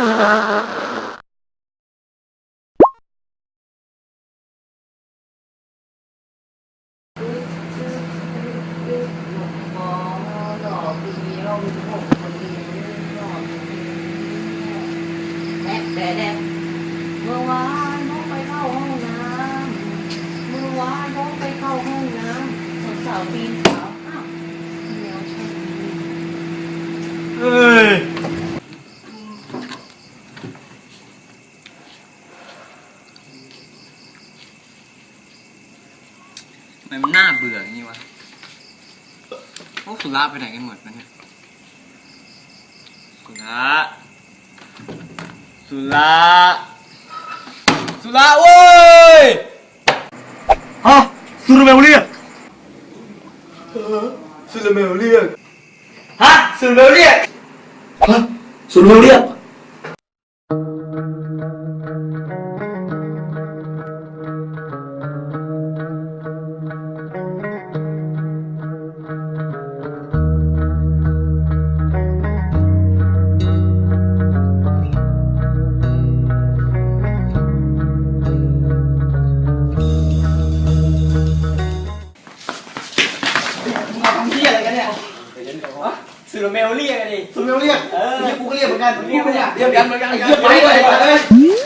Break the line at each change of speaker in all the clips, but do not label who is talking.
เมื่อวานน้องไปเข้าห้องน้ำเมื่อวานน้องไปเข้าห้องน้ำสาวปีนสาวอ้าวแมวใช่ไหม
เฮ้ยทำไมมันน่าเบื่ออย่างนี้วะพวกสุราไปไหนกันหมดมันเนี่ยสุราสุราโว้ยฮะสุรเมลเรียกสุรเมลเรียกฮะสุรเมลเรียกฮะสุรเมลเรียกสุรเมลเรียกกันดิ
สุรเมลเรียกนี่กูก็เรียกเหมือนกัน
เรียกกันเหมือนกัน
เรียกไปเลย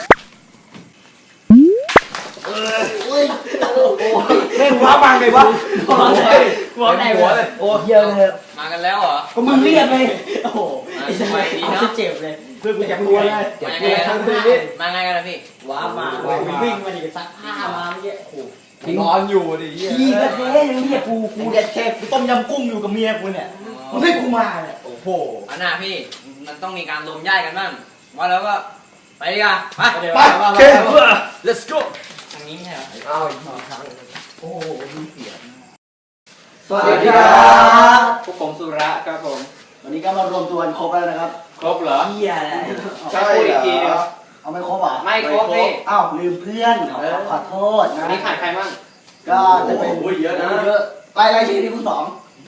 เล่นว้าบังเลยวะ
หัวไหนหัวเลย
โอ้เยอะเลย
มากันแล้วเหรอ
ก็มึงเรียกเลยโอ้โห
ไอ้สมัยนี้เนาะ
เจ็บเลยเพื่อนกูอยากรู้เลย
มาไงกันล่ะพี่
ว้ามาวิ่งมาดิซักผ้ามาเมื่อกี้โอ้
นอนอยู่ดิ
พี่กระเทยยังเรียกกูเด็ดเทปกูต้มยำกุ้งอยู่กับเมียกูเนี่ยมึงให้กูมาเนี่ยโอ้โห
อันน่ะพี่มันต้องมีการรวมญาติกันบ้างว่าแล้วก็ไปดีกว่าไป let's go ทางนี้ไม่ใช่เหรอเอาอีกครั้ง
โอ้โหมีเสียง
สวัสดีครับพวกผมสุระครับผม
วันนี้ก็มารวมตัวกันครบแล้วนะครับ
ครบเหรอ
เฮียอะไร
ใช่อีกทีนึง
เอาไม่ครบอ่ะ
ไม่ครบพี่
อ้าวลืมเพื่อนขอโทษนะ
วันนี้ขาดใครบ้าง
ก็จะเป็น
เยอะนะ
เยอะรายชื่อที่คุณสอง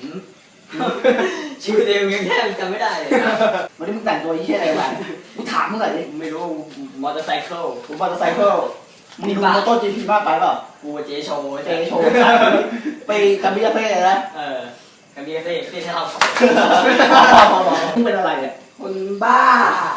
ชื่อเต็มยังแทบจำไม่ได้เลย
วันนี้มึงแต่งตัวยี่อะไรมากูถามมึงหน่อยดิ
ไม่รู้มอเตอร์ไซค์
กูมอเตอร์ไซค์มึงดูโมโต้ GP มากไปเปล่า
กูเจโชว์
ไปกัมพูชาเฟ่นะ
กัมพูชาเฟ่ที่ทำ
มึงเป็นอะไรเนี่ย
คนบ้า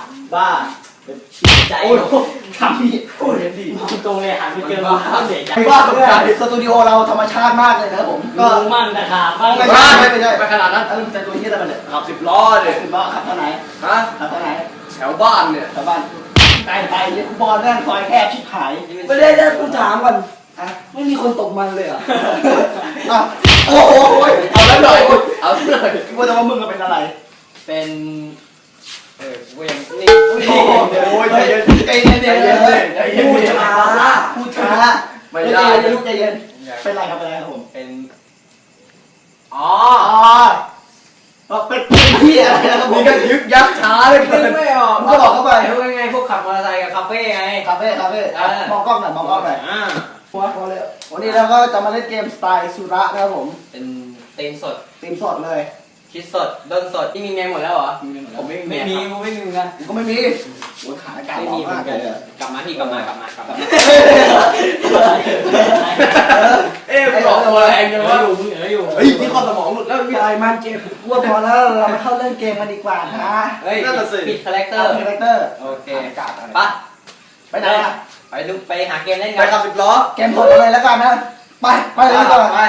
ใจทำนี่โอ้ยดี
ตรงเลยหันไปเจอมาเสียใจ
ว่าสตูดิโอเราธรรมชาติมากเลยนะครับผม
ก็มั่งนะครับ
ไม่ใช่ไปขนาดนั้นแล้วมึงแต่ตัวนี้อะไรเนี่ย
ขับ10 ล้อเลย
10 ล้อขับเท่าไหนขับเท่าไหน
แถวบ้านเนี่ย
แถวบ้านไปเนี่ยกูบอลแม่งซอยแคบชิบหาย
ไม่ได้กูถามก่อนไม่มีคนตกมันเลยเหรอ
โอ้โห
เอาแล้วหน่อย
กูว่าแต่ว่ามึงเป็นอะไร
เป็นกูยังนี่
โอ้ยใจเย็นพูดช้าไม่ได้ลูกใจเย็นเป็นไรครับผม
เป็น
เป็นพี่อะไรนะครับผม
นี่ก็ยึกยักช้าเลย
ไม่ออกก็บอกเข้าไป
ไงพวกขับมอเตอร์ไซค์กับคาเฟ่ไง
คาเฟ่มองกล้องหน่อยพอเลยวันนี้เราก็จะมาเล่นเกมสไตล์สุระนะครับผม
เป็นตีมสด
เลย
คิดสดด้นสดที่มีเมียหมดแล้วเหรอผมไม่มีกูไม่มีเหมือนกัน
กูไม่มีโอ้ยขาการไม่มีเหมือนกัน
กลับมาบอกตัวแรงยังว่าอยู่มึงอยู่
เฮ้ยนี่ความสมองหลุดแล้วพี่ไอ้มันเกมกูว่าพอแล้วเราเข้าเล่นเกมกันดีกว่านะ
เฮ้ยปิดคาแรคเตอร์โอเคไปไหนไปหาเกมเล่นกัน
ไปขับ10 ล้อเกมสดอะไรแล้วกันนะไปเลยดีกว่า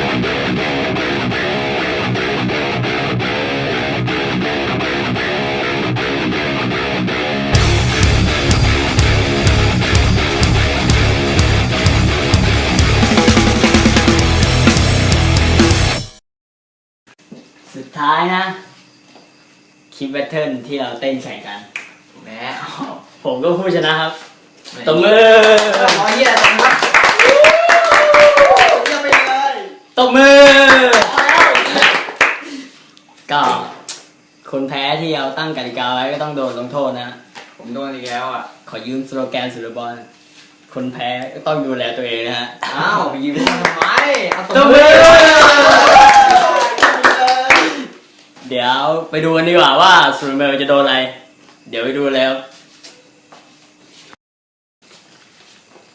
สุดท้ายนะคลิปแบทเทิลที่เราเต้นแข่งกัน
แหม
ผมก็ผู้ชนะครับตบมือ
เยี่ยมมากเยี่ยมไปเลย
ตบมือก็คนแพ้ที่เราตั้งกติกาไว้ก็ต้องโดนลงโทษนะ
ผมโดนอีกแล้วอ่ะ
ขอยืมสโลแกนสุรบอลคนแพ้ก็ต้องดูแลตัวเองนะฮะ
อ้าวไปยืมทำไม
ตบมือเดี๋ยวไปดูกันดีกว่าว่าสุรเมลจะโดนอะไรเดี๋ยวไปดูแล้ว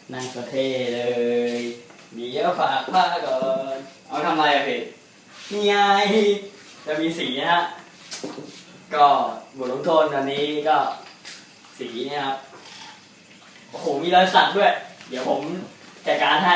นั่งก็เท่เลยเดี๋ยวฝากผ้าก่อน
เอาทำอะไรอะพี่
นี่ไงจะมีสีนะฮะก็บทลงโทษอันนี้ก็สีเนี่ยครับโอ้โหมีรอยสักด้วย เดี๋ยวผมจัดการให้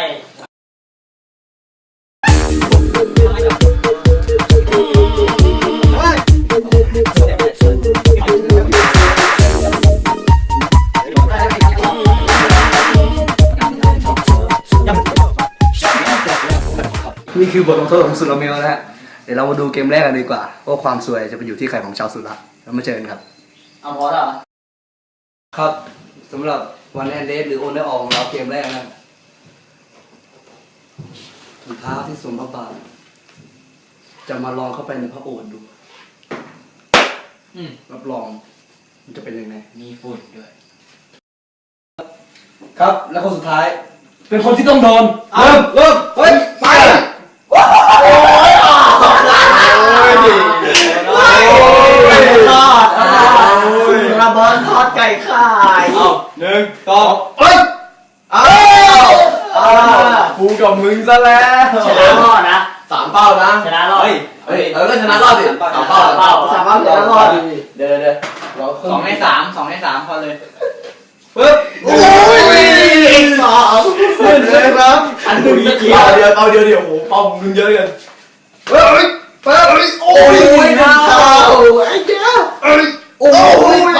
นี่คือบทลงโทษของสุดละเมลนะฮะเดี๋ยวเรามาดูเกมแรกกันดีกว่าว่าความสวยจะไปอยู่ที่ใครของชาวสุระเรามาเจอกันครับ
เอาพอแล้วเหรอ
ครับสำหรับวันแอนเดสหรือโอนได้ออกของเราเกมแรกนะถุงเท้าที่สวมพระบาทจะมาลองเข้าไปในพระโอษฐ์ดูรับรองมันจะเป็นยังไง
มีฝุ่นด้วย
ครับแล้วคนสุดท้าย เป็นคนที่ต้องโดนเริ่มเฮ้ยไปโอ้ยระเบิดทอดไก่ข่าย
เอา1 2
เฮ้ยกูกับมึงซะแล้ว
ชนะรอดนะ
3 เป้านะ
ชนะรอด
เฮ้ยก็ชนะรอดสิ3 เป้า
3 เป้า
ชนะรอดเดี๋ยวเรา
2 ใน 3 2 ใน 3พอเลย
ปึ๊บโอ้ย2ขึ้นเลยครับอันหนึ่งเดียวเอาเดียวโอ้โหเป้ามึงเยอะเลยเฮ้ยโอ้ยเข้าไอ้เจ้าโอ้ย2-1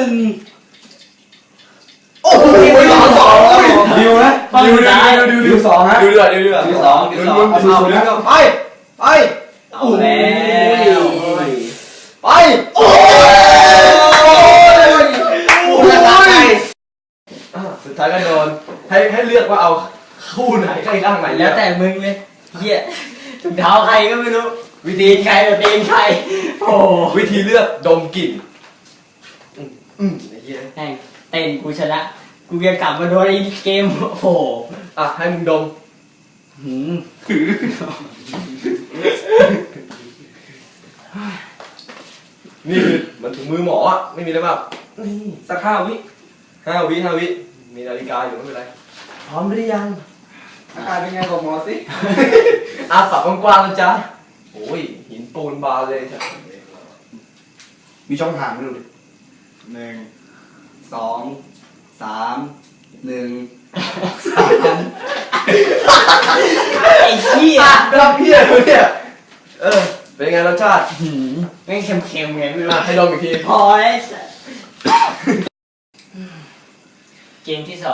โอ้ย2-2ดิวนะดิว2ฮะดิว2ไป
เอาแล้ว
ไปโอ้ยสุดท้ายก็โดนให้เลือกว่าเอาคู่ไหนใกล้ข้างไหน
แล้วแต่มึงเลยเหี้ยถุงเท้าใครก็ไม่รู้วิธีใครกับตีนใครโอ้
วิธีเลือกดมกลิ่นไอ้เหี้ย
แม่งเต้นกูชนะกูจะกลับมาโดนไอ้เกมโอ้โห
ให้มึงดมนี่คือมันถึงมือหมออ่ะไม่มีอะไรมากนี่สัก5 วิมีนาฬิกาอยู่ไม่เป็นไรพร้อมหรือยังอาการเป็นไงบอกหมอสิปากกว้างๆนะจ๊ะโอ้ยหินปูนบานเลยมีช่องห่างไหมดูดิ1 2 3 1
ไอ้เหี้ย
รับเพี้ยเลยเนี่ยเป็นไงรสชาติ
แม่งเค็มๆไงไม่รู้
ให้ดมอีกที
พอแล้วเกมที่2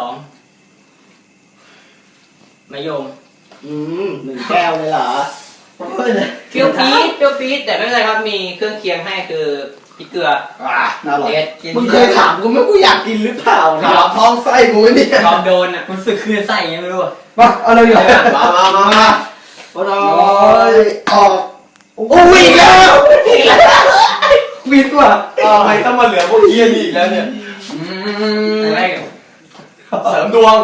มะยม
1 แก้วเลยเหรอ
เปรี้ยวปี๊ดแต่ไม่เป็นไรครับมีเครื่องเคียงให้คือพริกเกลือ
น่าอร่อย
เด็ด
มึงเคยถามกูไหมกูอยากกินหรือเปล่าถามท้องไส้กูเนี่ย
ยอมโดนอ่ะ
รู้สึกคือใส่ยังไม่รู้อะ
มาเอาเลยอยู่มาโอ้ยออกโอ้ยอีกแล้ววิดว่ะทำไมต้องมาเหลือพวกเฮียนี่อีกแล้วเนี่ย
อะไร
เสริมดวง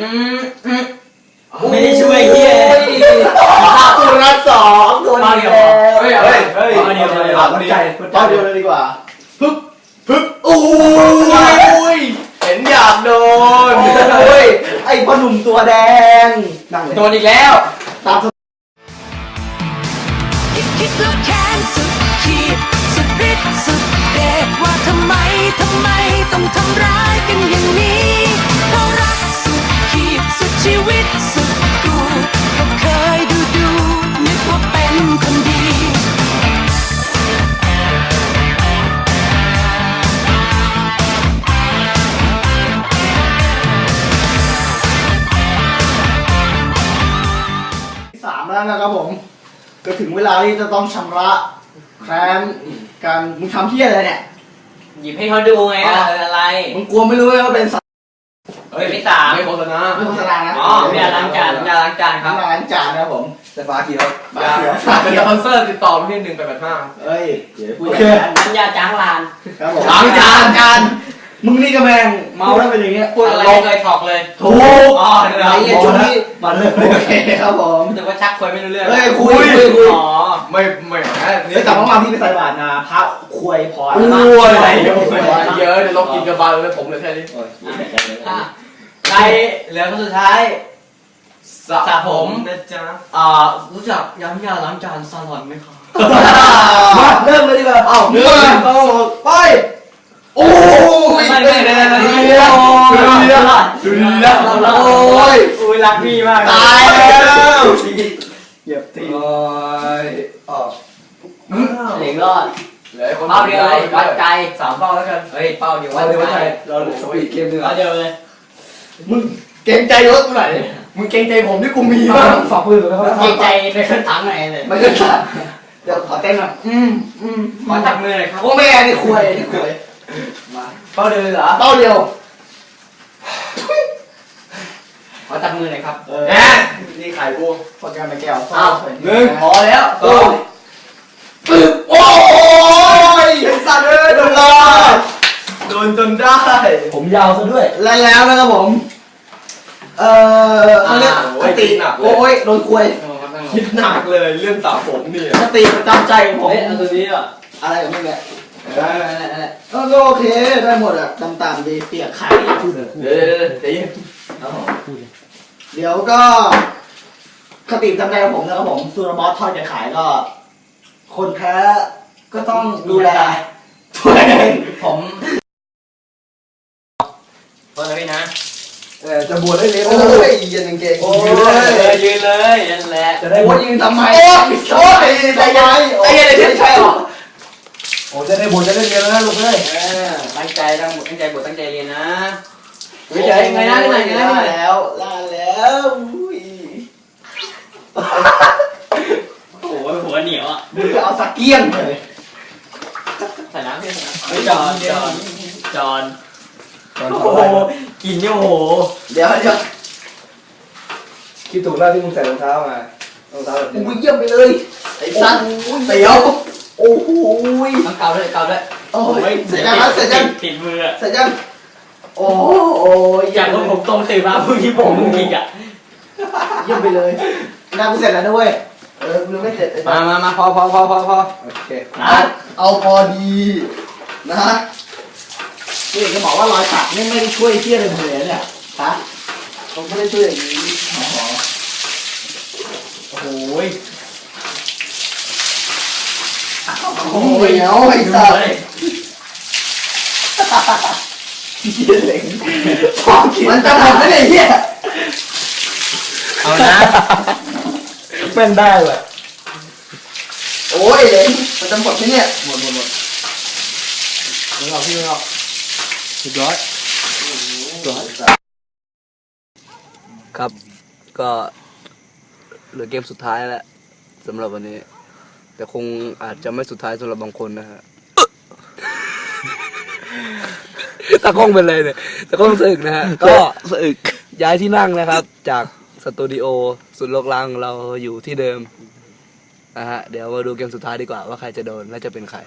ไม่ได้ช่วยเหี้ย
ตัวละ2ตัวเดียวเฮ้ยเดียวเลยดีกว่าพึบโอ้ยเห็นอยากโดนโอ้ยไอ้พ่อหนุ่มตัวแดงนั่งเลย
โดนอีกแล้ว
ตาม
คิดแล้วแค้นสุดขีดสุดฤทธิ์สุดเดชว่าทำไมต้องทำร้ายกันอย่างนี้เพราะรักสุดขีดสุดชีวิตสุดกูก็เคยดูนึกว่าเป็นคนดี
3แล้วนะครับผมก็ถึงเวลาที่จะต้องชำระแค้นการมึงทำเพี้ยอะไรเนี่ย
หยิบให้เขาดูไงอะไร
มึงกลัวไม่รู้ไหมว่าเป็นสัตว์
เฮ้ยไม่ตาม
ไม่โฆษณานะ
อ๋อไม่ล้างจานไม่ล้างจานครับ
น้ำล้างจานนะครับผมแต่ฟ้าเขียวฟ้าเขียว
เป็นสปอนเซอร์ติดต่อมาที่1885
เฮ้ยเดี๋ยวพูด
น้ำยาจ้างลาน
ครับผมล้างจานกันมึงนี่ก็แมงเมาแล้วเป็นอย่างเงี้ย
พูดอะไรไม่เคยถอกเลย
ถูก
อ๋อเดี๋ยว
ไอ้เหี้ยช่วงนี้มาเลยโอเคครับผม
รู้สึกว่าชักคุยไม่รู้เรื่อง
เฮ้ยคุย
อ๋อ
ไม่แต่เมื่อวานพี่ไปใส่บาตรมาพระคุยพอ
โอ้ย
เยอะเดี๋ยวลองกินกระบาลเลยผมเลยแค่นี้
อ่ะใครเหลือคนสุดท้ายสระผมนะจ๊ะรู้จักย้ำยาล้างจานซาลอนไหมครับ
มาเริ่มเลยดีกว่าเอ้า1 2ไปโอ้ยไม่โอ้ย
รักพี่มาก
ตายแล้วเหยียบตี
โอ้ย
เหล็กรอด
เหลือคน
เป้าเดียวเลยวัดใจ
3 เป้าแล้วกัน
เฮ้ยเป้าเดียววั
เรา
ด
เดี๋ยว
ใจ
เราสปีดเกมดีก
เอา
ว่า
เดียวเลย
มึงเกรงใจรถกูหน่อยมึงเกรงใจผมที่กูมีบ้างฝากปืนเลยครับ
เกรงใจไปขึ้นถังไหนเลย
ไม่ใช่เดี๋ยวขอเต้นหน่อย
ขอจับมือหน่อยครับ
โอ้แม่นี่คุยมาเป้าเดียวเหรอเป้าเดียว
ขอจับมือหน่อยครับ
นี่ขายกูพอแก้วไม่แก้ว
เอา1พอแล้ว
ปึ๊บโอ้ยสัตว์เลยโดนล้อโดนจนได้
ผมยาวซะด้วย
แล้วนะครับผมเขาเรียกสติโอ้ยโดนคุยคิดหนักเลยเรื่องสาวผมนี่สติประจำใจของผม
เฮ้ยเอาตัวนี้อ่ะ
อะไรกับมึงเนี่ยก็โอเคได้หมดอ่ะต่างๆดีเปียกไข่เดี๋ยวก็คติประจำใจของผมนะครับผมซูรบอสทอดจะขายก็ คนแพ้ก็ต้องดูแลตัวเองผม
เปิดเลยนะ
จะบวชได้เลยโอ้ยยืนเก่ง
โอ้ยยืนเลยนั่นแหละ
จะได้บวชยืนทำไมโอ้ยใจเย็นใจเย็นเลยใช่หรอโอ้จะได้บวชจะได้เรียนแล้วนะลูกเอ้ย
ตั้งใจตั้งใจบทตั้งใจเรียนนะไม่ใช่ไงนะไงนะ
แล้ว
โอ้โหหัวเหนียวอ่ะ
มึงจะเอาสักเกี้ยงเลย
ใส่น้ำพี่ใส่น้ำจอนโอ้โหกินเนี่ยโอ้โห
เดี๋ยว
คิดถูกแล้วที่มึงใส่รองเท้ามารองเท้าแบบนี้
มึงเยี่ยมไปเลยไอ้สัตว์เตี๋ยวโอ้โห
ต้องเกาด้วย
โอ้ยเสร็จยัง
ติดมืออ่ะ
เสร็จยังโอ้ย
อย่างที่ผมตรงตื่นมาเมื่อกี้ผมกินอ่ะ
เยี่ยมไปเลยงานกูเสร็จแล้วด้วยกูยังไม่เสร็จ
มาพอ
โอเค
เอาพอดีนะนี่จะบอกว่ารอยสักนี่ไม่ได้ช่วยเที่ยอะไรเลยเนี่ยฮะผมไม่ได้ช่วยอย่างนี้โอ้โหเดี๋ยวไอ้สัสเหี้ยเหล็งมันจะหมดไหมเนี่ยเหี้ย
เอานะ
เป็นได้เลย
โอ้ยเหล็งมันจะหมดไหมเนี่ยหมด
มึงเอาพี่มึงเอาสุดยอด
ครับก็เหลือเกมสุดท้ายแล้วสำหรับวันนี้แต่คงอาจจะไม่สุดท้ายสำหรับบางคนนะฮะตะก้องเป็นไรเนี่ยตะก้องสะอึกนะฮะก็สะอึกย้ายที่นั่งนะครับจากสตูดิโอสุดโลกลังเราอยู่ที่เดิมนะฮะเดี๋ยวมาดูเกมสุดท้ายดีกว่าว่าใครจะโดนและจะเป็นใคร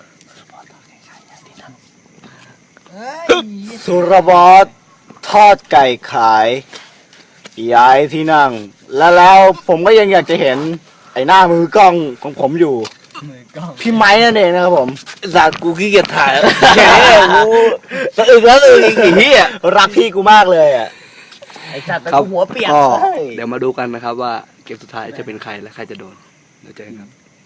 สุรบอสทอดไก่ขายย้ายที่นั่งแล้วผมก็ยังอยากจะเห็นไอ้หน้ามือกล้องของผมอยู่พี่ไม้นั่นเองนะครับผมสัตว์กูขี้เกียจถ่ายแล้วแย่กูสะอึกแล้วสะอึกอีกทีอ่ะรักพี่กูมากเลยอ่ะไอ้สัตว์แต่กูหัวเปียก
เดี๋ยวมาดูกันนะครับว่าเกมสุดท้ายจะเป็นใครและใครจะโดนเดี๋ยวเจอกัน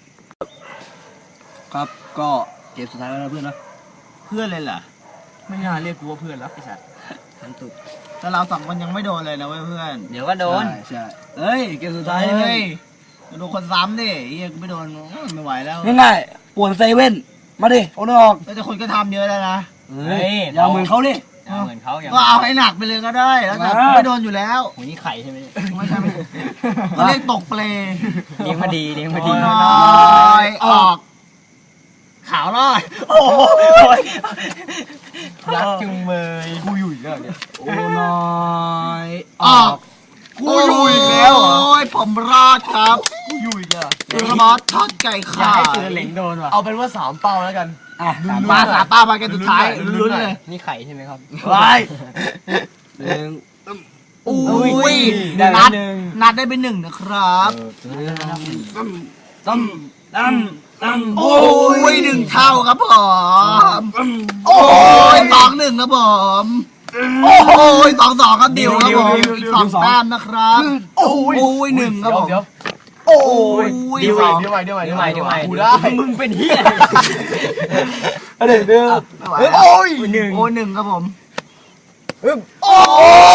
ครับก็เกมสุดท้ายแล้วนะเพื่อนนะ
เพื่อนเลยเหรอ
ไม่น่าเรียกกูว่าเพื่อนแล้วไอ้สัตว์
แต่เราสองคนยังไม่โดนเลยนะเพื่อน
เดี๋ยวก็โดน
ใช่เฮ้ยเกมสุดท้าย
เฮ้ยโดนคนซ้ำดิเฮียกูไม่โดนไม่ไหวแล้ว
ง่ายๆป่วนเซเว่นมาดิเอาเนื้อออก
แต่คนก็ทำเยอะแล้วนะ
เฮ้ยอย่าเหมือนเขาดิ
เหมือนเขาอย่าง
ก็เอาให้หนักไปเลยก็ได้แล้วแต่ไม่โดนอยู่แล้ว
หัวนี่ไข่ใช่ไหม
ไม่ใช่เขาเรียกตกเปล
เลี้ยงมาดีเลี้ยงมาดี
น้อยออกขาวน้อยโอ้ย
รักจุงเบยกูอยู่อีกแล้วเนี่ย
โอ้น้อย
ออกกูอยู่อีกแล้วโอ้ยผมรอดครับกูอยู่อีกแล้วสุรบอสทอดไก่
อยาก
ขา
ให้
ย
เสือเหล็งโดนว่ะ
เอาเป็นว่า3เป้าแล้วกัน
มาสาป้ามากันสุดท้ายลุ้นเลย
นี่ไข่ใช่ไหมครับ
ไป
หนึ่ง
อุ้ย
ได้
นัดได้ไป1นะครับ
ตั้ม
โอ้ย1 เท่าครับผมโอ้ย2-1ครับผมโอ้ย2-2ครับดิวครับผมอีก2 แต้มนะครับโอ้ย1ครับผมโอ้ย
เดี๋ยว
2
เดี๋ยวใหม่
กูได้มึงเป็นเฮีย
เดี๋ยวไม่ไหวโอ้ย1ครับผมโอ้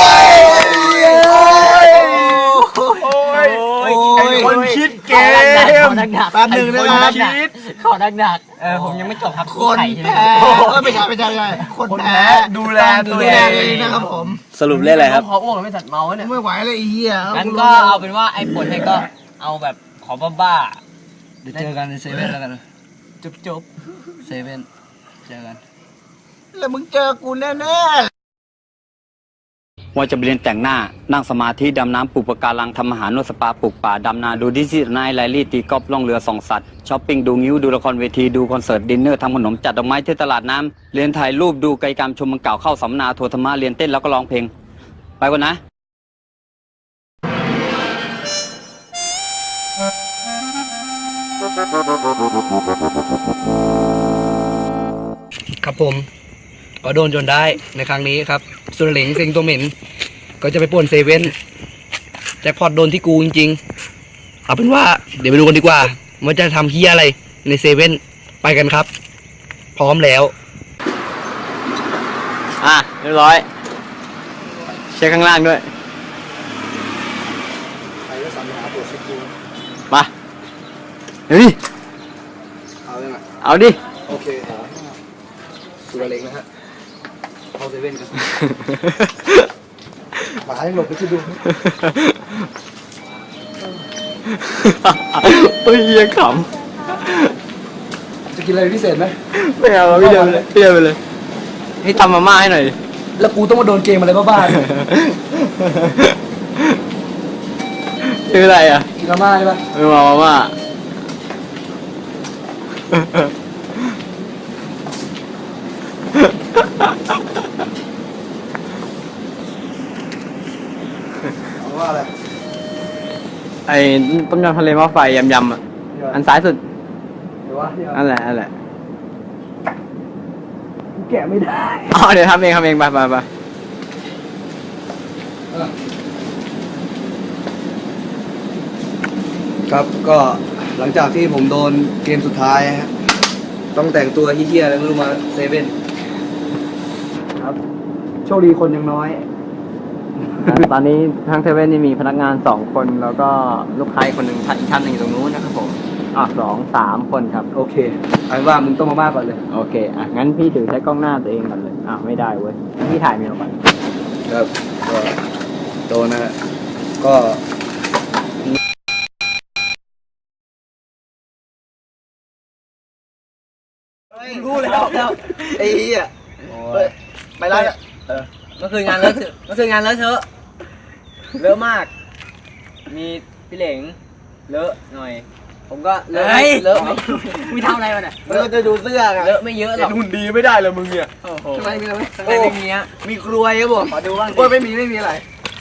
ย
คนคิดเกม
แป๊บนึงนะครับ
ขอหนักผมยังไม่จบครับ
คนแพ้ไม่ใช่คนแพ้
ดูแลตัว
ดู
เอ
แล
ง
ตัวเองนะครับผม
สรุปเล่นอะไรครับ
พออ้วกแล้วไม่จัดเมาเนี่ย
ไม่ไหวเลยไอ้เหี้ย
งั้นก็เอาเป็นว่าไอ้ผลเนี่ยก็เอาแบบขอบ้า
เดี๋ยวเจอกันในเซเว่นแล้วกัน
จบ
เซเว่นเจอกัน
แล้วมึงเจอกูแน่
ว่าจะไปเรียนแต่งหน้า นั่งสมาธิ ดำน้ำปลูกปะการัง ทำอาหารนวดสปา ปลูกป่า ดำนา ดูดิจิทัลไนท์ไลลี่ ตีกอล์ฟล่องเรือส่องสัตว์ ช้อปปิ้ง ดูงิ้ว ดูละครเวที ดูคอนเสิร์ต ดินเนอร์ ทำขนม จัดดอกไม้ที่ตลาดน้ำ เรียนถ่ายรูป ดูไกลกรรม ชมเมืองเก่า เข้าสัมมนา ทัวร์ธรรมะ เรียนเต้นแล้วก็ร้องเพลง ไปก่อนนะ
ครับผมก็โดนจนได้ในครั้งนี้ครับสุรเหลงเซ็งตัวเหม็นก็จะไปป่วนเซเว่นแจ็คพอตโดนที่กูจริงๆเอาเป็นว่าเดี๋ยวไปดูกันดีกว่าว่าจะทำเฮียอะไรในเซเว่นไปกันครับ พร้อมแล้ว
เรียบร้อย เช็คข้างล่างด้วย มาเดี๋ยวดิ
เอาเลยนะ
เอาดิ
โอเคสุรเหลงนะฮะเข้าเซเว่นกันหมายังหลบไปที่ดู
เฮ้ยยังข
จะกินอะไรพิเศษไหม
ำไม่เอาพี่เดินไปเลยพี่เดินไปเลย ให้ทำมาม่าให้หน่อย
แล้วกูต้องมาโดนเกมอะไรบ้าๆเนี่ย
คืออะไรอ่ะ
กินมาม่าใช่ปะ
ไม่มาม่า
เอาว่าอะไร
ไอ้ต้มยำทะเลหม้อไฟยำๆอ่ะ อันซ้ายสุด
เดี๋ยวว่าเดี๋ยว
นั่นแหละนั่นแหละ
กูแกะไม่ได้
อ๋อเดี๋ยวทำเองไป
ครับก็หลังจากที่ผมโดนเกมสุดท้ายฮะต้องแต่งตัวเฮี้ยๆอะไรไม่รู้มาเซเว่นครับโชคดีคนยังน้อย
ตอนนี้ทางเซเว่นนี่มีพนักงาน2 คนแล้วก็ลูกค้าอีกคนหนึ่งอีกท่านหนึ่งอยู่ตรงนู้นนะครับผม2-3 คนครับ
โอเคเอาเป็นว่ามึงต้องมาม่าก่อนเลย
โอเคงั้นพี่ถือใช้กล้องหน้าตัวเองก่อนเลยไม่ได้เว้ยพี่ถ่ายเมลก่อน
ครับก็โดนนะฮะก็รู้แล้วไอ้เหี้ยไปไล่
เมื่อคืนงานเลอะเทอะเลอะมาก มีพี่เหลงเลอะหน่อย ผมก็เลอะไม่ทำอะไรมันอ่ะ
เราจะดูเสื้อไง
เลอะไม่เยอะหรอก
หุ่นดีไม่ได้เลยมึงเนี่ย
ทำไมมีอะไรไหม
ข้างในไม่มีฮะ
มีกลวยครับผม
ขอดูบ้าง
กลวยไม่มีอะไร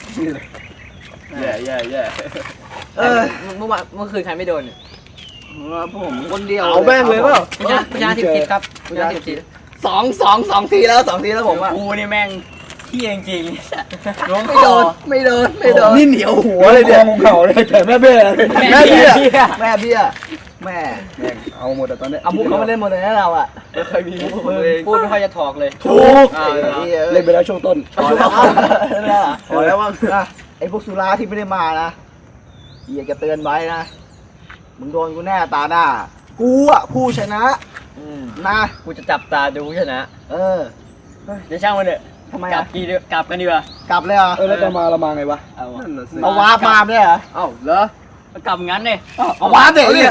แย่
เออ
เมื่อคืนใครไม่โดนเนี่ย
ผมคนเดียว
เอาแม่งเลยเปล่า
ประชาธิปไตยครับประชาธิปไตย
สองทีแล้วผมอ่ะ
กูนี่แม่งเที่ยงจริง
ไม่โดนนี่เหนียวหัว
เล
เลย ย
เดี๋
เนี่ย ย
เข่าเลยแต่แม่เบี้ย
แม่เบี้ยแม่เอาหมดแต่ตอนนี้เอามุกเขามาเล่นหมดเลยนะเราอ่ะ
ไม่เคยมี
พูดไม่ค่อยจะถอกเลย
ถูกเล่นไปแล้วช่วงต้น
พอแล้วว่าไอ้พวกสุราที่ไม่ได้มานะอยากจะเตือนไว้นะมึงโดนกูแน่ตาหน้ากูอ่ะผู้ชนะนะ
กูจะจับตาดูชนะ
เออ
เดี๋ยวช่างมันเถอะ
ทำไม
กลั
อ่ะ
กลับกันดีกว่าก
ลับเลยเหรอ
แล้วจะมาละมาไงวะ
เอาวะ
เอาวาร์ปมาไม่ได้เหรอ
เอ้าเหรอ
กลับงั้นเลย
เอาวาร์ปเด็กเนี่ย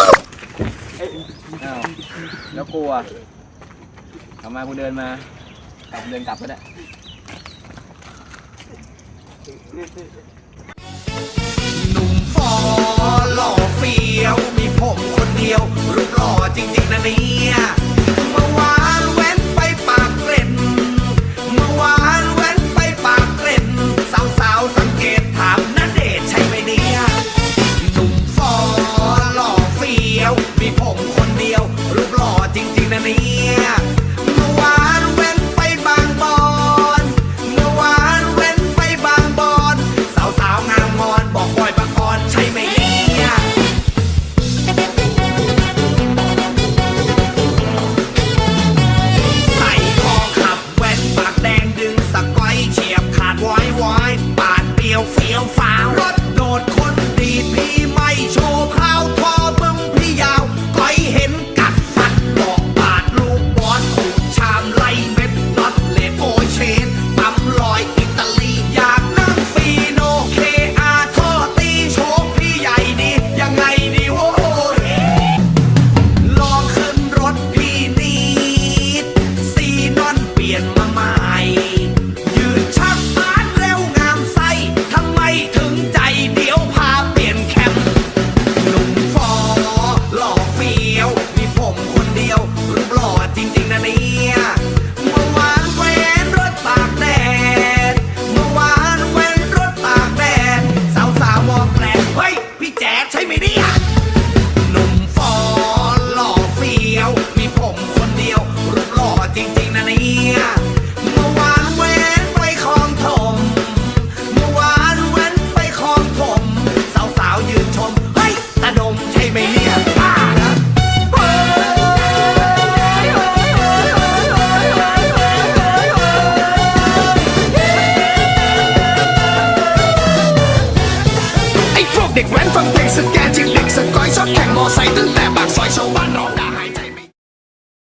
แล้วกูอ่ะทำไมกูเดินมาเดินกลับก็ได้
หนุ่มฟอหล่อเฟี้ยวมีผมคนเดียวรูปหล่อจริงๆนะเนี่ย